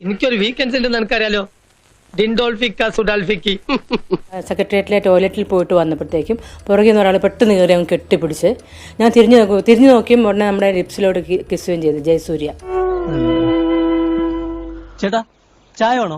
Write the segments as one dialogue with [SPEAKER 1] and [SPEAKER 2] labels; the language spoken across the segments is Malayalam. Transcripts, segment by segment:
[SPEAKER 1] എനിക്കൊരു വീക്കെൻഡ്സ് ഉണ്ടെന്ന് എനിക്കറിയാലോ. ഡിൻഡോൾഫിക്ക സുഡാൽഫിക്കി.
[SPEAKER 2] സെക്രട്ടേറിയറ്റിലെ ടോയ്ലറ്റിൽ പോയിട്ട് വന്നപ്പോഴത്തേക്കും പുറകിൽ നിന്ന് ഒരാൾ പെട്ടെന്ന് കയറി അങ്ങ് കെട്ടിപ്പിടിച്ച് ഞാൻ തിരിഞ്ഞു നോക്കിയും ഉടനെ നമ്മുടെ ലിപ്സിലോട് കിസ്സുകയും ചെയ്തു ജയസൂര്യ.
[SPEAKER 3] ചേട്ടാ ചായ വേണോ?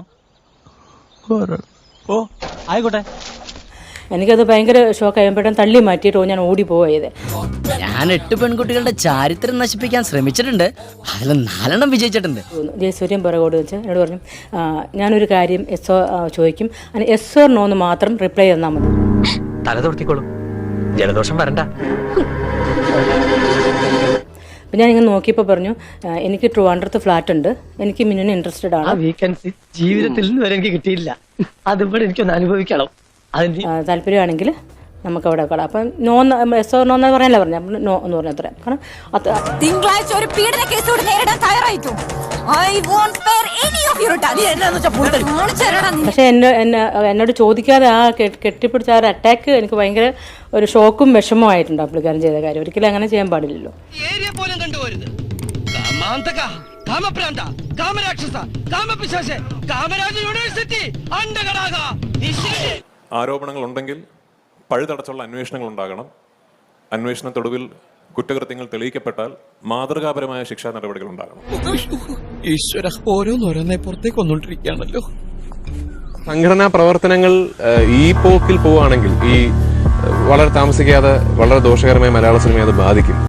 [SPEAKER 3] ഓ ആയിക്കോട്ടെ.
[SPEAKER 2] എനിക്കത് ഭയങ്കര ഷോക്കായി. പെട്ടെന്ന് തള്ളി മാറ്റിയിട്ട് ഞാൻ ഓടിപ്പോയത്.
[SPEAKER 4] ഞാൻ 8 പെൺകുട്ടികളുടെ ചാരിത്രം നശിപ്പിക്കാൻ ശ്രമിച്ചിട്ടുണ്ട്, അതിൽ 4 വിജയിച്ചിട്ടുണ്ട്.
[SPEAKER 2] ജയസൂര്യൻ പുറകോട് വെച്ച് എന്നോട് പറഞ്ഞു, ഞാനൊരു കാര്യം ചോദിക്കും, അതിന് എസ് ഓർ നോ എന്ന് മാത്രം റിപ്ലൈ തന്നാൽ മതി.
[SPEAKER 1] തല തൊടുത്തിക്കോളും, ജലദോഷം വരണ്ട.
[SPEAKER 2] അപ്പം ഞാൻ ഇങ്ങനെ നോക്കിയപ്പോൾ പറഞ്ഞു, എനിക്ക് ട്രിവാൻഡ്രത്ത് ഫ്ലാറ്റ് ഉണ്ട്, എനിക്ക് മിന്നിന് ഇൻട്രസ്റ്റഡ് ആണ്.
[SPEAKER 1] വീക്കെൻഡ്സ് ജീവിതത്തിൽ നിന്ന് വരെ എനിക്ക് കിട്ടിയില്ല, അതിവിടെ എനിക്കൊന്ന് അനുഭവിക്കണം.
[SPEAKER 2] താല്പര്യമാണെങ്കിൽ നമുക്ക് അവിടെ കളാം. അപ്പം നോ എസ് ഓർ നോ എന്ന് പറയാനല്ല പറഞ്ഞു, അപ്പം നോ എന്ന് പറഞ്ഞ അത്ര. കാരണം
[SPEAKER 5] തിങ്കളാഴ്ച ഒരു പീഡന കേസോട് നേരിടാൻ തയ്യാറായിട്ടു.
[SPEAKER 2] പക്ഷെ എന്നോട് ചോദിക്കാതെ ആ കെട്ടിപ്പിടിച്ച ആ ഒരു അറ്റാക്ക് എനിക്ക് ഭയങ്കര ഒരു ഷോക്കും വിഷമമായിട്ടുണ്ട്. പുള്ളിക്കാരൻ ചെയ്ത കാര്യം ഒരിക്കലും അങ്ങനെ ചെയ്യാൻ പാടില്ലല്ലോ.
[SPEAKER 6] ആരോപണങ്ങൾ ഉണ്ടെങ്കിൽ പഴുതടച്ചുള്ള അന്വേഷണങ്ങൾ ഉണ്ടാകണം. അന്വേഷണത്തൊടുവിൽ കുറ്റകൃത്യങ്ങൾ തെളിയിക്കപ്പെട്ടാൽ മാതൃകാപരമായ ശിക്ഷാ നടപടികൾ ഉണ്ടാകണം.
[SPEAKER 7] ഈശ്വര, ഓരോന്നോരോന്നെ പുറത്തേക്ക് വന്നോണ്ടിരിക്കുകയാണല്ലോ.
[SPEAKER 8] സംഘടനാ പ്രവർത്തനങ്ങൾ ഈ പോക്കിൽ പോവുകയാണെങ്കിൽ വളരെ താമസിക്കാതെ വളരെ ദോഷകരമായ മലയാള സിനിമയെ അത് ബാധിക്കും.